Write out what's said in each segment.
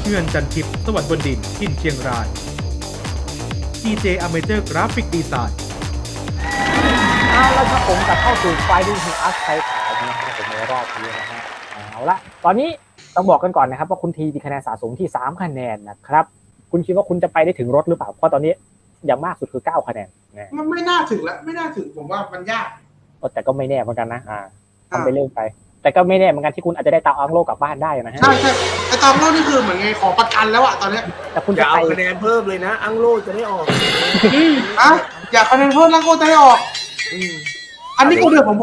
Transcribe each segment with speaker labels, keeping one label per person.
Speaker 1: เงื่อนจันทิพย์สวัสดิ์บนดินทินเชียงราย TJ Amateur Graphic Design
Speaker 2: เอาละครับผมกลับเข้าสู่ไฟดิ้งทูอัสไทยขาวนะครับผมในรอบนี้นะฮะเอาละตอนนี้ต้องบอกกันก่อนนะครับว่าคุณทีมีคะแนนสะสมที่3คะแนนนะครับคุณคิดว่าคุณจะไปได้ถึงรถหรือเปล่าเพราะตอนนี้อย่างมากสุดคือ9คะแนนนะ
Speaker 3: มันไม่น่าถึงแล้วไม่น่าถึงผมว่ามันยาก
Speaker 2: แต่ก็ไม่แน่เหมือนกันนะทำไปเรื่อยไปแต่ก็ไม่แน่เหมือนกันที่คุณอาจจะได้ตาอังโลกลับบ้านได้นะฮะ
Speaker 3: ใช่ไอตอนโลกนี่คือเหมือนไงขอประกันแล้วอะตอนนี้
Speaker 2: แต่คุณ
Speaker 4: อ
Speaker 2: จะ
Speaker 4: ย่า
Speaker 2: ไป
Speaker 4: เอาคะแนนเพิ่มเลยนะ อังโลจะได้ออก
Speaker 3: อะอยากคะแนนเพิ่มแล้วก็จะได้ออกอันนี้กูเดือดผม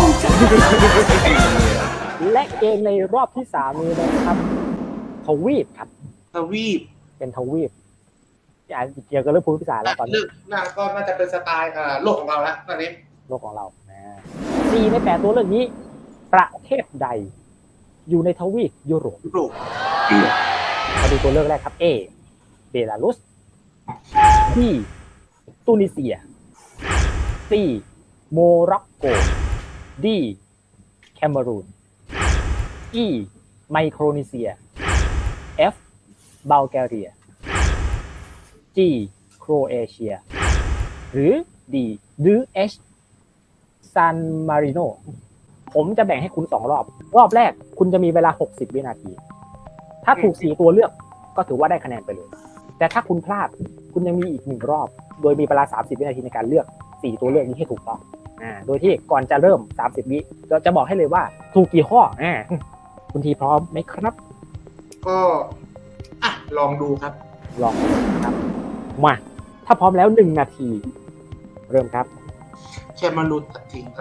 Speaker 2: และเกมในรอบที่3นี้นะครับทวีปครับ
Speaker 3: ทวีป
Speaker 2: เป็นทวีปเกี่ยวกับเรื่องภูมิศาสตร์แล้วตอนนี้
Speaker 3: เลือกก็น่าจะเป็นสไตล์โลกของเราแล้วตอนนี้
Speaker 2: โลกของเรา4ใน8ตัวเลือกนี้ประเทศใดอยู่ในทวีปยุโรปมาดูตัวเลือกแรกครับ A เบลารุส B ตูนิเซีย C โมร็อกโก D แคเมรูน E ไมโครนีเซีย F บัลแกเรีย G โครเอเชียหรือ D หรือ H ซานมาริโนผมจะแบ่งให้คุณ2รอบแรกคุณจะมีเวลา60วินาทีถ้าถูก4ตัวเลือกก็ถือว่าได้คะแนนไปเลยแต่ถ้าคุณพลาดคุณยังมีอีก1รอบโดยมีเวลา30วินาทีในการเลือก4ตัวเลือกนี้ให้ถูกต้องโดยที่ก่อนจะเริ่ม30วิเราจะบอกให้เลยว่าถูกกี่ข้อคุณทีพร้อมไหมครับ
Speaker 3: ก็ลองดูครับ
Speaker 2: ลองครับมาถ้าพร้อมแล้ว1นาทีเริ่มครับ
Speaker 3: แคมารูนตัดทิ้งครับ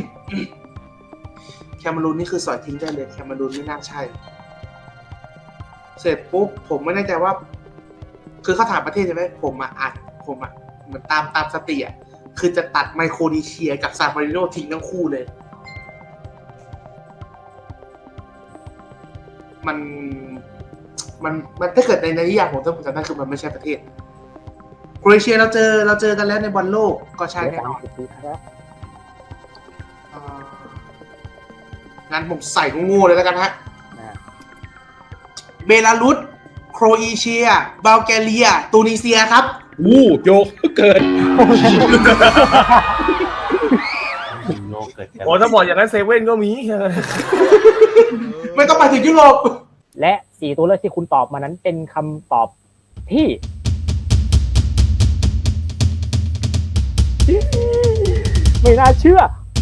Speaker 3: แคมารูนนี่คือสอยทิ้งได้เลยแคมารูนไม่น่าใช่เสร็จปุ๊บผมไม่แน่ใจว่าคือเขาถามประเทศใช่ไหมผมเหมือนตามสติคือจะตัดไมโครนีเซียกับซานมาริโนทิ้งทั้งคู่เลยมันถ้าเกิดในนิยามผมถ้าผมจำได้คือมันไม่ใช่ประเทศโครเอเชียเราเจอกันแล้วในบอลโลกก็ใช่แน่นอนงั้นผมใส่งูเลยแล้วกันฮะเบลารุสโครเอเชียบัลแกเรียตูนิเซียครับ
Speaker 1: โยกเกิน
Speaker 4: โอ้ถ้าบอกอย่างนั้นเซเว่นก็มี
Speaker 3: ไม่ต้องไปถึงยุโรป
Speaker 2: และ4ตัวเลือกที่คุณตอบมานั้นเป็นคำตอบที่ไม่น่าเชื่อ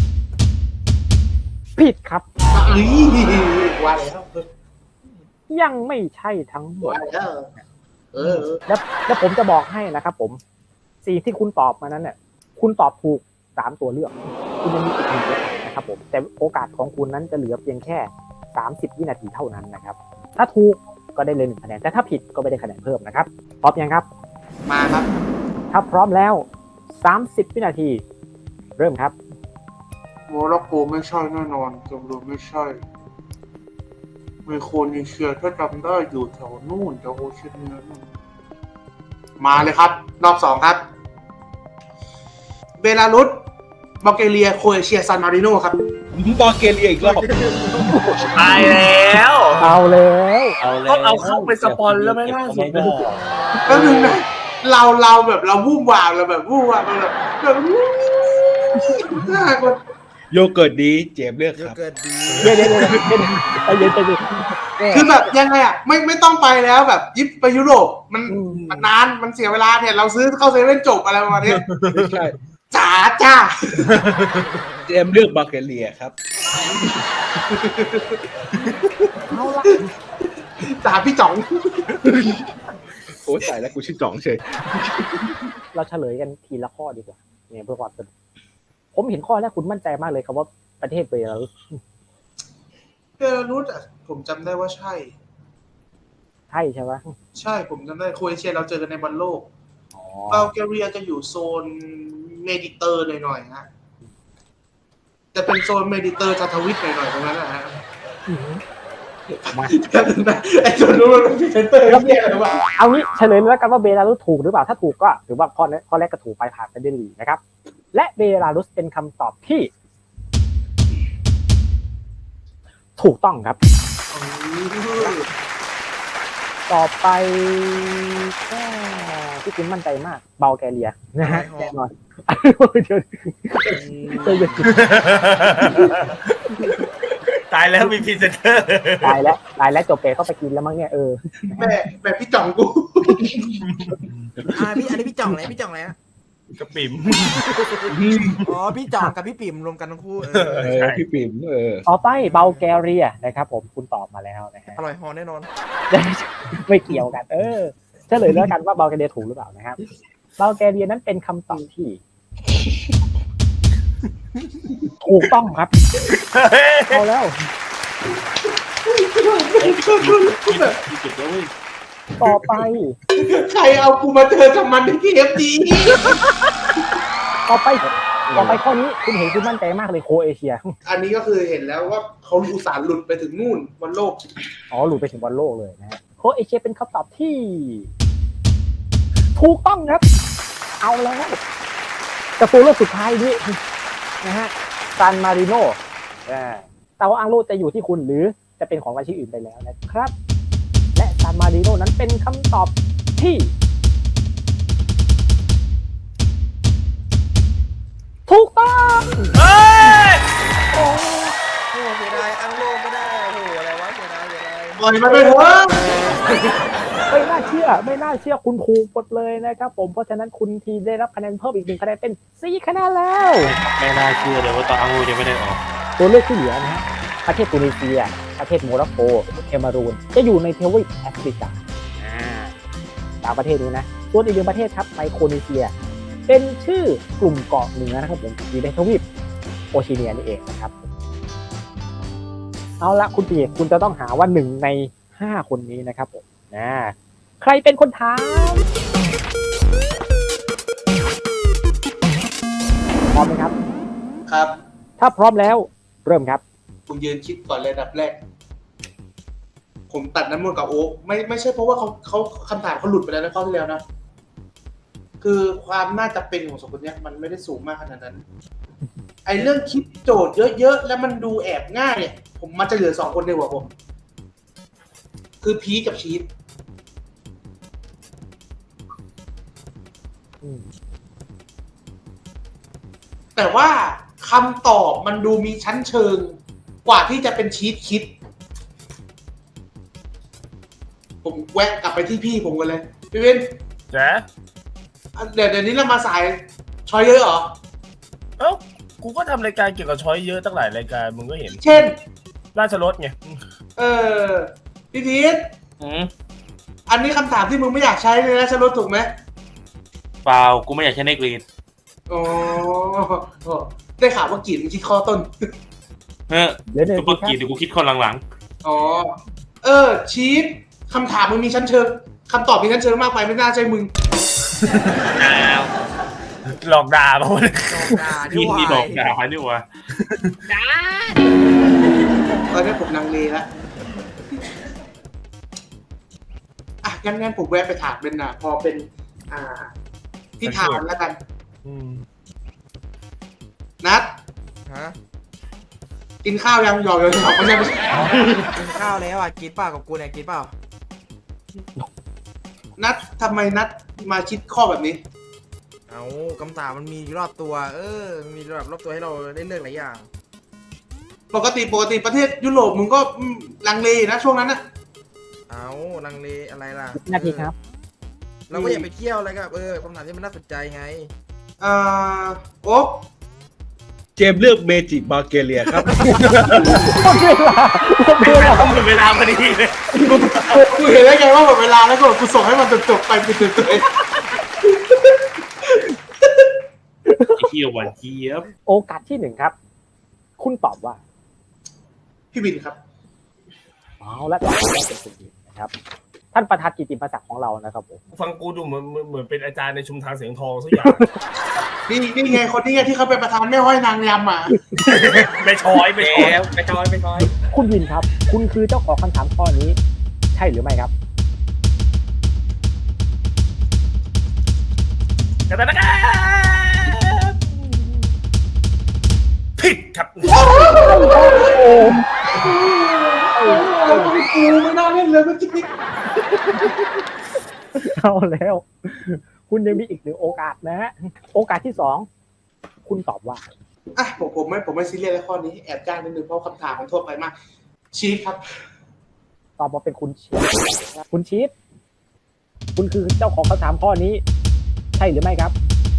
Speaker 2: ผิดครับ
Speaker 3: ว่าแล้ว
Speaker 2: ยังไม่ใช่ทั้งหมด
Speaker 3: ว่าแล้ว
Speaker 2: แล้วผมจะบอกให้นะครับผมสิ่งที่คุณตอบมานั้นเนี่ยคุณตอบถูก3ตัวเลือกคุณยังมีอีก1โอกาสนะครับผมแต่โอกาสของคุณนั้นจะเหลือเพียงแค่30วินาทีเท่านั้นนะครับถ้าถูกก็ได้เลย1คะแนนแต่ถ้าผิดก็ไม่ได้คะแนนเพิ่มนะครับพร้อมยังครับ
Speaker 3: มาครับ
Speaker 2: ถ้าพร้อมแล้ว30วินาทีเริ่มครับ
Speaker 3: โมร็อกโกไม่ใช่แน่นอนจำนวนไม่ใช่ไมโครนีเซียถ้าจำได้อยู่แถวนู่นแถวโอเชียเนียนู่นมาเลยครับรอบ2ครับเบลารุสบัลแกเรียโครเอเชียซานมาริโนครับ
Speaker 1: บัลแกเรียอีกรอบ
Speaker 4: ตายแล้ว
Speaker 2: เอาเลย
Speaker 4: ต้องเอาเข้าไปสปอนแล้วไม่ล่าสุด
Speaker 3: ก็คือเราแบบเราวู่วามเราแบบวู่วามแบบน่ากลัว
Speaker 1: โยเกิร์ตดีเจมเลือกครับ
Speaker 2: เดี๋ยวไปเย็น
Speaker 3: คือแบบยังไงไม่ต้องไปแล้วแบบยิปไปยุโรปมันนานมันเสียเวลาเนี่ยเราซื้อเข้าเซเว่นจบอะไรประมาณนี้
Speaker 1: ใช่
Speaker 3: จ้า
Speaker 1: เจมเลือกบัลแกเรียครับ
Speaker 2: เอาละ
Speaker 3: จ้าพี่จ๋อง
Speaker 1: โอ้ยตายแล้วกูชื่อจ๋องเฉย
Speaker 2: เราเฉลยกันทีละข้อดีกว่าเนี่ยเพื่อความสนุกผมเห็นข้อแรกคุณมั่นใจมากเลยครับว่าประเทศเบลารุส
Speaker 3: ผมจำได้ว่าใช่
Speaker 2: ไหม
Speaker 3: ใช่ผมจำได้โครเอเชียเราเจอกันในบอลโลกบัลแกเรียจะอยู่โซนเมดิเตอร์หน่อยๆฮะจะเป็นโซนเมดิเตอร์ทวิตหน่อยๆตรงนั้นนะฮะไอ้โซนนู้นมันเป็นเซนเตอร์ครับเนี่ยหรือว่า
Speaker 2: เอางี้เฉลยแล้วกันว่าเบลารุสถูกหรือเปล่าถ้าถูกก็ถือว่าข้อแรกก็ถูกไปผ่านไปได้ดีนะครับและเบลารุสเป็นคำตอบที่ถูกต้องครับต่อไปก็ที่คุณมั่นใจมากเบลแกเรียนะฮะแน่นอนเดี๋ยว
Speaker 4: ตายแล้วมีพรีเซนเตอร์
Speaker 2: ตายแล้วจบเปเข้าไปกินแล้วมั้งเนี่ย
Speaker 3: แม่พี่จ่องกู
Speaker 5: พี่อันนี้พี่จ่องอะไรพี่จ่องอะไรนะ
Speaker 4: กระปิ่ม
Speaker 5: อ๋อพี่จ่องกับพี่ปิ่มรวมกันทั้งคู่
Speaker 4: ใช่
Speaker 6: พี่ปิ่ม
Speaker 2: ต่อไปเบลแกเรียนะครับผมคุณตอบมาแล้วนะฮะ
Speaker 5: อร่อยฮอแน่นอน
Speaker 2: ไม่เกี่ยวกันเฉลยแล้วกันว่าเบลแกเรียถูกหรือเปล่านะครับเบลแกเรียนั้นเป็นคำตอบที่ ถูกต้องครับเอาแล้วต่อไป
Speaker 3: ใครเอากูมาเจอกับมันในทีเอฟดี
Speaker 2: ต่อไปข้อนี้คุณเห็นคุณมั่นใจมากเลยโคเอเชีย
Speaker 3: อันนี้ก็คือเห็นแล้วว่าเขาอุตส่าห์หลุดไปถึงนู่นวันโลก
Speaker 2: อ๋อหลุดไปถึงบอลโลกเลยนะฮะโคเอเชียเป็นคำตอบที่ ถูกต้องครับ เอาแล้วแต่ตัวเลือกสุดท้ายนี้นะฮะซานมาริโนเตาอังโลจะอยู่ที่คุณหรือจะเป็นของราชินีอื่นไปแล้วนะครับ และซานมาริโนนั้นเป็นคำตอบที่ ถูกต้อง
Speaker 4: เฮ้ย
Speaker 5: โอ้เสียดายอังโลไม่ได้โอ้โหอะไรวะเสียดาย
Speaker 3: ปล่อยมันไปเถอะ
Speaker 2: ไม่น่าเชื่อคุณถูกหมดเลยนะครับผมเพราะฉะนั้นคุณทีได้รับคะแนนเพิ่มอีก1คะแนนเป็น4คะแนนแล้ว
Speaker 6: ไม่น่าเชื่อเลยว่าตอนอังโลยังไม่ได้ออก
Speaker 2: ตัวเลือกที่เหลือนะฮะประเทศตุนิเซียประเทศโมร็อกโกเคมารูนจะอยู่ในทวีปแอฟริกาสามประเทศนี้นะส่วนอีกหนึ่งประเทศครับไมโครนีเซียเป็นชื่อกลุ่มเกาะเหนือนะครับผมอยู่ในทวีปโอเชียเนียนี่เองนะครับเอาละคุณปีคุณจะต้องหาว่า1ใน5คนนี้นะครับผมใครเป็นคนถามพร้อมไหมครับ
Speaker 3: ครับ
Speaker 2: ถ้าพร้อมแล้วเริ่มครับ
Speaker 3: ผมยืนคิดก่อนเลยอันดับแรก ผมตัดน้ำมันกับโอ๊คไม่ใช่เพราะว่าเขาคำถามเขาหลุดไปแล้วนะข้อที่แล้วนะ คือความน่าจะเป็นของสองคนเนี้ยมันไม่ได้สูงมากขนาดนั้น ไอ้เรื่องคิดโจทย์เยอะๆแล้วมันดูแอบง่ายเนี่ยผมมันจะเหลือ2คนในหัวผม คือพีคกับชีสแต่ว่าคำตอบมันดูมีชั้นเชิงกว่าที่จะเป็นชีสคิด ผมแวะกลับไปที่พี่ผมกันเลย พี่เว้น
Speaker 4: จ๊ะ
Speaker 3: เดี๋ยวนี้เรามาสายชอยเยอะเหรอ
Speaker 4: เอ้ากูก็ทำรายการเกี่ยวกับช้อยเยอะตั้งหลายรายการมึงก็เห็น
Speaker 3: เช่น
Speaker 4: ราชรถไง
Speaker 3: พี่พีทอันนี้คำถามที่มึงไม่อยากใช้เลยนะชลดถูกไหม
Speaker 6: เปล่ากูไม่อยากใช้ในกรีน
Speaker 3: อ๋อได้ข่าวว่ากรีดมึงคิดข้อต้น
Speaker 2: เหลือหนึ่ง
Speaker 6: ซุปเปอร์กรีนเดี๋ยวกูคิดคนหลัง
Speaker 3: อ๋อ ชีสคำถามมึงมีชั้นเชิงคำตอบมีชั้นเชิงมากไปไม่น่าใช่มึง
Speaker 6: ๆอ้าว
Speaker 4: หลอกด่ามาวันนี้
Speaker 6: พี่นี่บอกด่านี่วะ
Speaker 3: ตอนนี้ผมลังเลแล้วงั้นผมแวะไปถามเป็นพอเป็นที่ถามแล้วกัน นัด
Speaker 5: ฮะ
Speaker 3: กินข้าวยังหยอกไม่ใช่
Speaker 5: กินข้าวแล้วกินเปล่ากับกูเนี่ยกินเปล่า
Speaker 3: นัดทำไมนัดมาคิดข้อแบบนี้
Speaker 5: เอาคำถามมันมีอยู่รอบตัวมันมีแบบรอบตัวให้เราได้เลือกหลายอย่าง
Speaker 3: ปกติประเทศยุโรปมึงก็ลังเลนะช่วงนั้นนะ
Speaker 5: เอาลังเลอะไรล่ะ
Speaker 2: นาทีครับ
Speaker 5: เราก็อยากไปเที่ยวอะไรก็คำถามที่มันน่าสนใจไง
Speaker 3: โอ๊ค
Speaker 7: เจมส์เลือกเมจิบาเกเลียครับ
Speaker 6: หมดเวลาพอดีเลย
Speaker 3: กูเห็นได้ไงว่าหมดเวลาแล้วกูส่งให้มันจบไปปิดเลย
Speaker 6: ไอ้เหี้ยหวานเจี๊ยบ
Speaker 2: โอกาสที่1ครับคุณตอบว่า
Speaker 3: พี่วินครับ
Speaker 2: เอาละตอบว่าเป็นคุณนะครับท่านประธานกิตติมศักดิ์ของเรานะครับผม
Speaker 4: ฟังกูดูเหมือนเป็นอาจารย์ในชุมทางเสียงทองสักอย่าง
Speaker 3: นี่ไงคนนี้ไงที่เขาเป็นประธานแม่ห้อยนางยำอ่ะ
Speaker 4: ไม่ช้อยไม่ช้อย
Speaker 6: ไม่ช้อย
Speaker 2: คุณวินครับ คุณคือเจ้าของคำถามข้อนี้ ใช่หรือไม่ครับ
Speaker 4: กันนะครับผิดครับ
Speaker 3: เราต้องกูไม่น่าเล่นม่นเลยเมื่อกี้
Speaker 2: เอาแล้ว คุณยังมีอีกหนึ่งโอกาสนะฮะโอกาสที่สองคุณตอบว่า
Speaker 3: อ่ะผมไม่ซีเรียสในข้อนี้แอบจ้างนิดนึงเพราะคำถามมันทั่วไปมากชีสครับ
Speaker 2: ตอบมาเป็นคุณชีสคุณชีสคุณคือเจ้าของคำถามข้อนี้ ใช่หรือไม่ครับ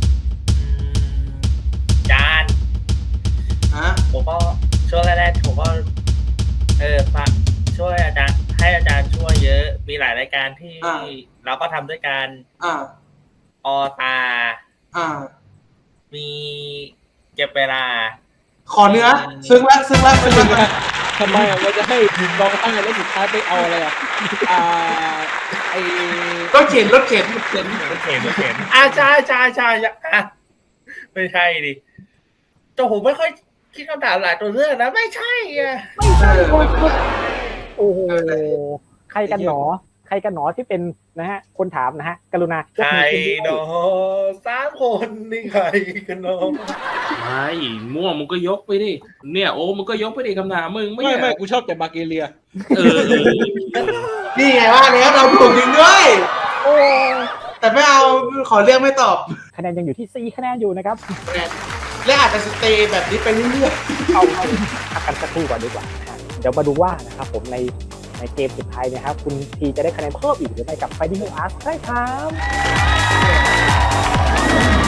Speaker 8: จาน
Speaker 3: ฮะ
Speaker 8: ผมก็ช่วงแรกๆผมก็ฟังช่วยอาจารย์ให้อาจารย์ช่วยเยอะ มีหลายรายการที่เราก็ทำด้วยกัน
Speaker 3: อ่า
Speaker 8: ออตา
Speaker 3: อ่า
Speaker 8: มีเก็บเวลา
Speaker 3: ขอเนื้อซึ้งละ
Speaker 7: ทำไมอ่ะมันจะให้ลองตั้งแล้วสุดท้ายไปเอาอะไรอ่ะไอ
Speaker 3: รถเข็น
Speaker 8: เห็นใช่อ่ะไม่ใช่ดิแต่ผมไม่ค่อยคิดคำถามหลายตัวเลือกนะไม่ใช่อ่ะ
Speaker 2: ไม่ใช่คนโอ้โหใครกันหนอที่เป็นนะฮะคนถามนะฮะกรุณาย
Speaker 8: ใค
Speaker 2: ก
Speaker 8: ร
Speaker 2: มือขึ้นด้วย
Speaker 8: เนาะ3 คนนี่ใครกันเนาะ
Speaker 6: ไม่ม่วงมึงก็ยกไปดิ เนี่ยโอ้มึงก็ยกไปดิคำถามมึงไม่
Speaker 7: ไม่กูชอบแต่บาเกเลีย
Speaker 6: เออ
Speaker 3: นี่ไงว่าแล้วเราถูกจริงด้วย
Speaker 2: โอ้
Speaker 3: แต่ไม่เอาขอเลือกไม่ตอบ
Speaker 2: คะแนนยังอยู่ที่4คะแนนอยู่นะครับ
Speaker 3: และอาจจะสเตย์แบบนี้ไปเรื่อย
Speaker 2: เอาพักกันสักครู่ก่อนดีกว่านะฮะเดี๋ยวมาดูว่านะครับผมในเกมสุดท้ายนะครับคุณทีจะได้คะแนนเพิ่มอีกหรือไม่กับ Fighting Arts ใช่ครับ